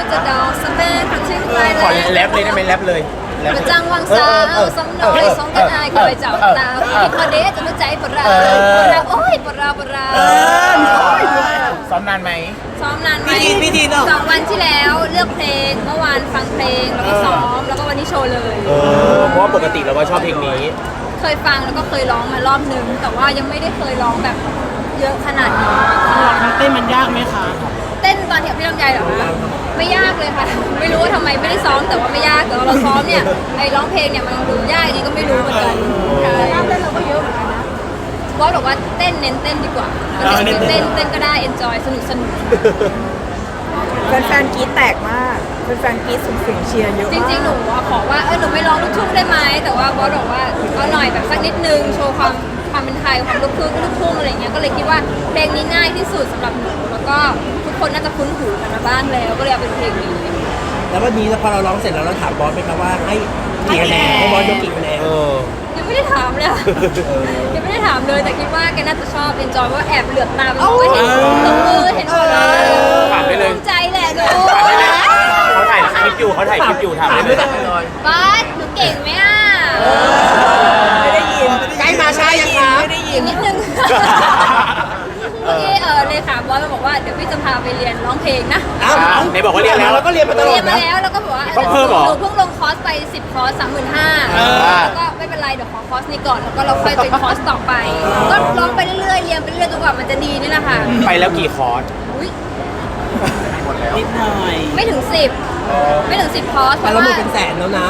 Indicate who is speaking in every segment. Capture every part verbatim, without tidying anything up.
Speaker 1: จะดอกสเปนคนชื่อไป
Speaker 2: ขอแรปเลยได้ไหมแรปเลย
Speaker 1: ประจังวังสาวสองน้อยสองกันอายคอยจับตาพี่พอเดชจะรู้ใจปะราปะราโอ้ยปะราปะรา
Speaker 2: ซ้อมนานไหม
Speaker 1: ซ้อมนานไหมสองวันที่แล้วเลือกเพลงเมื่อวานฟังเพลงแล้วก็ซ้อมแล้วก็วันนี้โชว์เลย
Speaker 2: เออเพราะว่าปกติเราก็ชอบเพลงนี้
Speaker 1: เคยฟังแล้วก็เคยร้องมารอบนึงแต่ว่ายังไม่ได้เคยร้องแบบเยอะขนาดนี้
Speaker 3: เต้นมันยากไหมคะ
Speaker 1: เต้นตอนเที่ยวพี่ลำไยเหรอคะไม่ยากเลยค่ะไม่รู้ว่าทำไมไม่ได้ซ้อมแต่ว่าไม่ยากแต่ว่าเราซ้อมเนี่ยไอ้ร้องเพลงเนี่ยมันดูยากนี่ก็ไม่รู้เหมือนกันยากเต้นเราก็เยอะเหมือนกันนะบอสบอกว่าเต้นเน้นเต้นดีกว่าเต้นเต้นเต้นก็ได้ enjoy สนุกสนุก
Speaker 4: แฟนๆกรี๊ดแตกมากแฟนๆกรี๊ดส่งเสียงเชียร์เยอะ
Speaker 1: จ
Speaker 4: มาก
Speaker 1: ริงๆหนูอะขอว่าเออหนูไม่ร้องลูกทุ่งได้ไหมแต่ว่าบอสบอกว่าเอาหน่อยแบบสักนิดนึงโชว์ความความเป็นไทยความลูกทุ่งลูกทุ่งอะไรเงี้ยก็เลยคิดว่าเพลงนี้ง่ายที่สุดสำหรับหนูแล้วก็ทุกคนน่าจะคุ้นหูกันมาบ้างแล้วก็เลยเอาเป็นเพลงนี้
Speaker 3: แล้ววันนี้พอเราร้องเสร็จแล้วเราถามบอสไหมครับว่าให้กี่คะแนนให้บอสยกกี่คะแนน
Speaker 2: เออ
Speaker 1: ยังไม่ได้ถามเลยอะยังไม่ได้ถามเลยแต่คิดว่าแกน่าจะชอบเอนจอยว่าแอบเหลือบตาไปมองก็เห็นตรงมือเห็นหมดเลย
Speaker 2: ถามได้เลย
Speaker 1: ภูมิใจแหละหนู
Speaker 2: ถามได้เลยเขาถ่ายคลิปอยู่เขาถ่ายคลิปอยู่ถามได้เลย
Speaker 1: บอสหนูเก่งไหมอ่ะ
Speaker 4: ไม่ได้ยิน
Speaker 3: ใกล้มาช้ายังคะ
Speaker 4: ไม่ได้ยิ
Speaker 1: อี
Speaker 4: น
Speaker 1: กนิดนึงเมื่อกี้เออเลยถามบอสมาบอกว่าเดี๋ยวพี่จะพาไปเรียนร้องเพลงนะ
Speaker 3: อ้าว
Speaker 2: ไหนบอกว่าเรียนแล้ว
Speaker 3: เราก็เรียนมาตลอ
Speaker 1: เรี
Speaker 3: ด
Speaker 1: ยนมา
Speaker 3: นะ
Speaker 1: แล้วแล้วก็บอกว่า
Speaker 2: ต้องเพิ่มเหรอ
Speaker 1: หนูเพิ่งลงคอร์สไปสิบคอร์สสามหมื่นห้า
Speaker 2: อ
Speaker 1: แล้วก็ไม่เป็นไรเดี๋ยวขอคอร์สนี้ก่อนแล้วก็เราค่อยไปคอร์สต่อไป ก็ร้องไปเรื่อยๆเรียนไปเรื่อยๆจนกว่ามันจะดีนี่แหละค่ะ
Speaker 2: ไปแล้วกี่คอร์ส
Speaker 1: อุ๊ย
Speaker 3: นิดหน่อย
Speaker 1: ไม่ถึงสิบไม่ถึงสิบคอร์สเพ
Speaker 3: แต่
Speaker 1: ราะ
Speaker 3: เราหม
Speaker 1: ว่า
Speaker 3: ดเป็นแสนแล้วนะ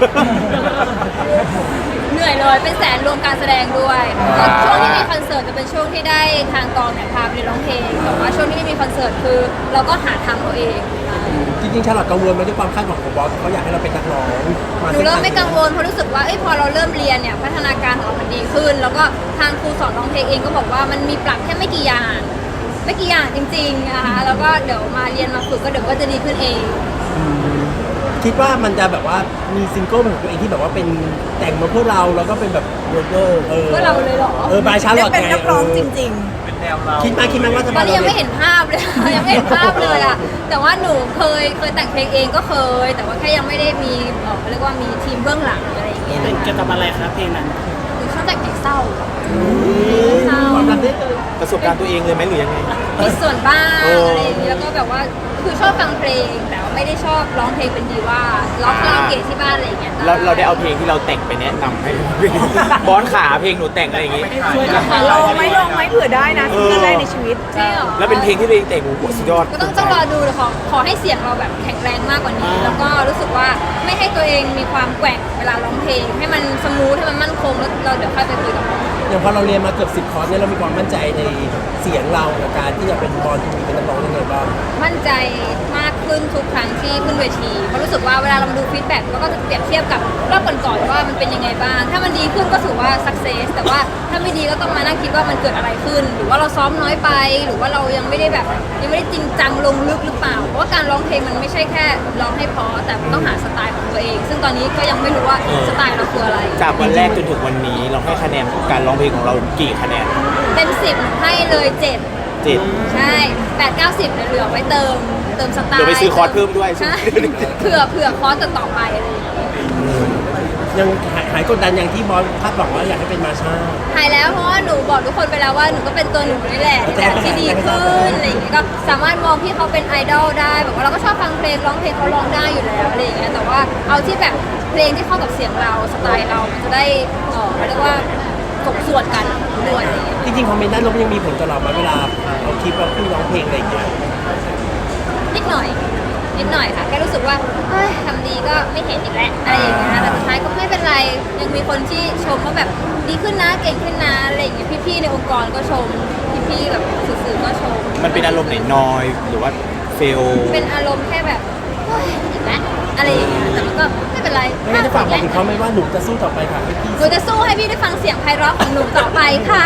Speaker 1: เหนื่อยเลยเป็นแสนรวมการแสดงด้วยก็ช่วงที่มีคอนเสิร์ตจะเป็นช่วงที่ได้ทางกองเนี่ยพาไปเรียนร้องเพลงแต่ว่าช่วงที่ไม่มีคอนเสิร์ตคือ เราก็หาทางเราเอง
Speaker 3: จริงๆชาลอตกังวลไหมด้วยความคาดหวังของบอสเขาอยากให้เราเป็นนักร้อง
Speaker 1: หนูเริ่มไม่กังวลเพราะรู้สึกว่าเอ้ยพอเราเริ่มเรียนเนี่ยพัฒนาการของเรามันดีขึ้น แล้วก็ทางครูสอนร้องเพลงเองก็บอกว่ามันมีปรับแค่ไม่กี่อย่างไม่กี่อย่างจริงๆนะคะแล้วก็เดี๋ยวมาเรียนมาฝึกก็เดี๋ยวก็จะดีขึ้นเอง
Speaker 3: คิดว่ามันจะแบบว่ามีซิงเกิลของตัวเองที่แบบว่าเป็นแต่งมาเพื่อเราแล้วก็เป็นแบบเวอร์เวอร์เออ
Speaker 1: เพื่อเราเลยเหรอ
Speaker 3: เออบายชาล
Speaker 4: ได้
Speaker 3: อต
Speaker 4: เป็น
Speaker 3: ไง
Speaker 4: นักร้องจริง
Speaker 3: คิดมาคิดมาว่าจะ
Speaker 1: ตอนนี้ยังไม่เห็นภาพเลย ยังไม่เห็นภาพเลยอะแต่ว่าหนูเคยเคยแต่งเพลงเองก็เคย แต่ว่าแค่ยังไม่ได้มีเอ่อเขาเรียกว่ามีทีมเบื้องหลังอะไรอย่างเงี้ย
Speaker 3: เกี่ยวกับอะไรครับเพลงนั้น
Speaker 1: หนูชอบแต่งเพลงเศร้าเศร้า
Speaker 3: ความรักได้เลย
Speaker 2: ประสบการณ์ตัวเองเลยไหมหรือยังไง
Speaker 1: มีส่วนบ้าง
Speaker 2: เอออ
Speaker 1: อะไรอย่างเงี้ยแล้วก็แบบว่าคือชอบฟังเพลงแต่ว่าไม่ได้ชอบร้องเพลงเป็นดีว่าร้องคาราโอเกะที่บ้านอะไรอย่างเงี้ย
Speaker 2: เราเราได้เอาเพลงที่เราแต่งไปแนะนำให้ บอสขาเพลงหนูแต่งอะไรอย่างงี้
Speaker 4: ๆลองไหมลองไหมเผื่อได้นะซิงเกิลแรกในชีวิต
Speaker 1: ใช่เหรอ
Speaker 2: แล้วเป็นเพลงที่ตัวเองแต่งโอ้โหสุดยอด
Speaker 1: ก็ต้องต้องรอดูเลยขอขอให้เสียงเราแบบแข็งแรงมากกว่านี้ แล้วก็รู้สึกว่าไม่ให้ตัวเองมีความแกว่งเวลาร้องเพลง ให้มันสมูทให้มันมั่นคงแล้วเราเดี๋ยวค่อยไปคุยกับน้อง
Speaker 3: อย่างพอเราเรียนมาเกือบสิบคอร์สเนี่ยเรามีความมั่นใจในเสียงเรากับการที่จะเป็นบอลที่เป็นนักร้องยังไงบ้าง
Speaker 1: มั่นใจมากขึ้นทุกครั้งที่ขึ้นเวทีเพราะรู้สึกว่าเวลาเรามาดูฟีดแบ็กเราก็จะเปรียบเทียบกับรอบก่อนๆว่ามันเป็นยังไงบ้าง ถ้ามันดีขึ้นก็ถือว่าสักเซสแต่ว่าถ้าไม่ดีก็ต้องมานั่งคิดว่ามันเกิดอะไรขึ้น หรือว่าเราซ้อมน้อยไป หรือว่าเรายังไม่ได้แบบยังไม่ได้จริงจังลงลึกหรือเปล่า เพราะว่าการร้องเพลงมันไม่ใช่แค่ร้องให้เพอแต่มันต้องหาสไตล์ของตัวเอง ซึ่งตอนนี้ก็ยังไม่รู้ว่าสไตล์เราคืออะไร
Speaker 2: จากวันแรกจนถึงวันนี้เราให้คะแนนการร้องเพลงของเรากี่คะแนน
Speaker 1: เต็มสิบให้เลยเจ็ด
Speaker 2: เจ็ด
Speaker 1: ใช่แปดเก้าสิบเหลือไว้เติมเติมสไตล์
Speaker 2: เดี๋ยวไปซื้อคอร์สเพิ่มด้วย
Speaker 1: ใช่เผื่อเผื่อคอร์สต่อๆไปอะไรอย่างเงี้ย
Speaker 3: ยังหายหายกดดันอย่างที่บอสคาดหวังว่าอยากให้เป็นมาชา
Speaker 1: หายแล้วเพราะว่าหนูบอกทุกคนไปแล้วว่าหนูก็เป็นตัวหนูนี่แหละในแบบที่ดีขึ้นอะไรอย่างเงี้ยก็สามารถมองพี่เขาเป็นไอดอลได้แบบว่าเราก็ชอบฟังเพลงร้องเพลงเขาร้องได้อยู่แล้วอะไรอย่างเงี้ยแต่ว่าเอาที่แบบเพลงที่เข้ากับเสียงเราสไตล์เรามันจะได้เออเขาเรียกว่าสมส่วนกันด้วยอะไรอย่างเงี้ย
Speaker 3: จริงๆคอมเมนต์ด้านลบยังมีผลกับเราไหมเวลาเราคลิปเราขึ้นร้องเพลงอะไรอย่างเงี้ย
Speaker 1: นิดหน่อยนิดหน่อยค่ะแค่รู้สึกว่าเฮ้ยทำดีก็ไม่เห็นอีกแล้วอะไรอย่างเงี้ยแต่สุดท้ายก็ไม่เป็นไรยังมีคนที่ชมว่าแบบดีขึ้นนะเก่งขึ้นนะอะไรอย่างเงี้ยพี่ๆในองค์กรก็ชมพี่ๆแบบสื่อๆก็ชม
Speaker 2: มันเป็นอารมณ์ไหนนอยหรือว่าเฟล
Speaker 1: เป็นอารมณ์แค่แบบเฮ้ยอีกแล้วอะไรอย่างเงี้ยแต่มันก็ไม่เป็นไร
Speaker 3: ไม่งั้นจะฝากบอกถึงเขาไหมว่าหนูจะสู้ต่อไปค่ะพี่
Speaker 1: หนูจะสู้ให้พี่ได้ฟังเสียงไพเราะของหนูต่อไปค่ะ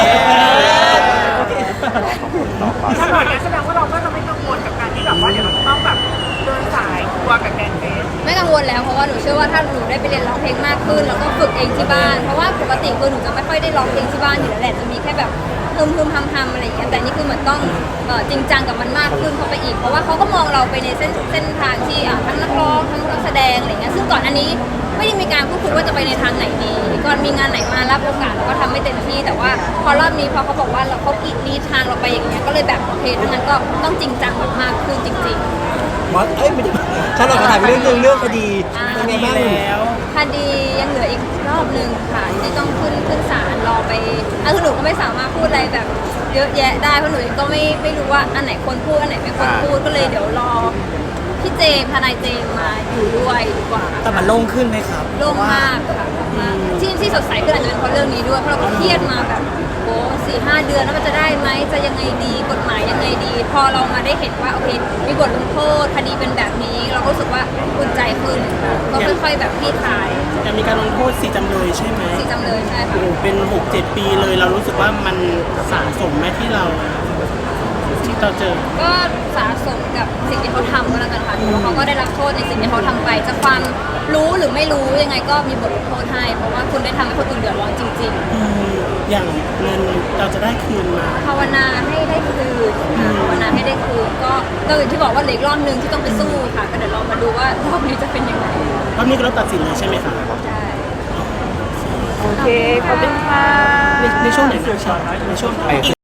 Speaker 5: ถ้าหน่อยแสดงว่าเราก็จะไม่กังวลกับการที่แบบว่าเดี๋ยวเราจะต้องแบบเดินสายทัวร์กับแดนเซอร์
Speaker 1: ไม่กังวลแล้วเพราะว่าหนูเชื่อว่าถ้าหนูได้ไปเรียนร้องเพลงมากขึ้นแล้วก็ฝึกเองที่บ้านเพราะว่าปกติคือหนูจะไม่ค่อยได้ร้องเพลงที่บ้านอยู่แล้วแหละจะมีแค่แบบฮึมฮึมทำทำอะไรอย่างเงี้ยแต่นี่คือเหมือนต้องเอ่อจริงจังกับมันมากขึ้นเข้าไปอีกเพราะว่าเขาก็มองเราไปในเส้นเส้นทางที่อ่ะทั้งนักร้องทั้งนักแสดงอะไรเงี้ยซึ่งก่อนอันนี้ไม่ได้มีการพูดคุยว่าจะไปในทางไหนดีก่อนมีงานไหนมารับโอกาสเราก็ทำไม่เต็มที่แต่ว่าพอรอบนี้พอเขาบอกว่าเราเขากีดลีดทางเราไปอย่างเงี้ยก็เลยแบบโอเคดังนั้นก็ต้องจริงจังแบบมากขึ้นจริง ๆ
Speaker 3: บอสเอ้ยไม่ใช่ฉันเราขอถามเรื่องหนึงเรื่องคดี
Speaker 1: อ่า
Speaker 3: เป็นไงบ้าง
Speaker 1: คดียังเหลืออีกรอบหนึ่งค่ะที่ต้องขึ้นขึ้นศาลรอไปอ่ะคือหนูก็ไม่สามารถพูดอะไรแบบเยอะแยะได้เพราะหนูเองก็ไม่ไม่รู้ว่าอันไหนควรพูดอันไหนไม่ควรพูดก็เลยเดี๋ยวรอพี่เจมส์ทนายเจมส์มาอยู่ด้วยดีกว่า
Speaker 6: แต่มันโล่งขึ้นไหมครับ
Speaker 1: โล่งมากค่ะมากที่ที่สดใสขึ้นอาจจะเป็นเพราะเรื่องนี้ด้วยเพราะเราก็เครียดมาแบบโอ้สี่ห้าเดือนแล้วมันจะได้ไหมจะยังไงดีกฎหมายยังไงดี พอเรามาได้เห็นว่าโอเคมีบทลงโทษคดีเป็นแบบนี้ เราก็รู้สึกว่าอุ่นใจขึ้นค่ะก็ค่อยๆแบบคลี่คลาย
Speaker 6: จะมีการลงโทษสี่จำเลยใช่ไหม
Speaker 1: สี่จำเลยใช่ค่ะ
Speaker 6: โอ้โหเป็นหกเจ็ดปีเลยเรารู้สึกว่ามันสะสมไหมที่เราที่เราเจอ
Speaker 1: ก็สะสมกับสิ่งที่เขาทำก็แล้วกันค่ะถือว่าเขาก็ได้รับโทษในสิ่งที่เขาทำไปจะความรู้หรือไม่รู้ยังไงก็มีบทลงโทษให้เพราะว่าคุณได้ทำให้คนอื่นเดือดร้อนจริง
Speaker 6: อืมอย่างเงินเราจะได้คืนมา
Speaker 1: ๆ ภาวนาให้ได้คืนค่ะภาวนาให้ได้คืนก็ก็อย่างที่บอกว่าเหลืออกรอบนึงที่ต้องไปสู้ค่ะก็เดี๋ยวเรามาดูว่ารอบนี้จะเป็นยังไง
Speaker 6: รอบนี้ก็รอบตัดสินเลยใช่ไหมคะ
Speaker 1: ใช่
Speaker 4: โอเค ขอบคุณค่ะ
Speaker 6: ในในช่วงไหนนะในช่วง
Speaker 2: ไป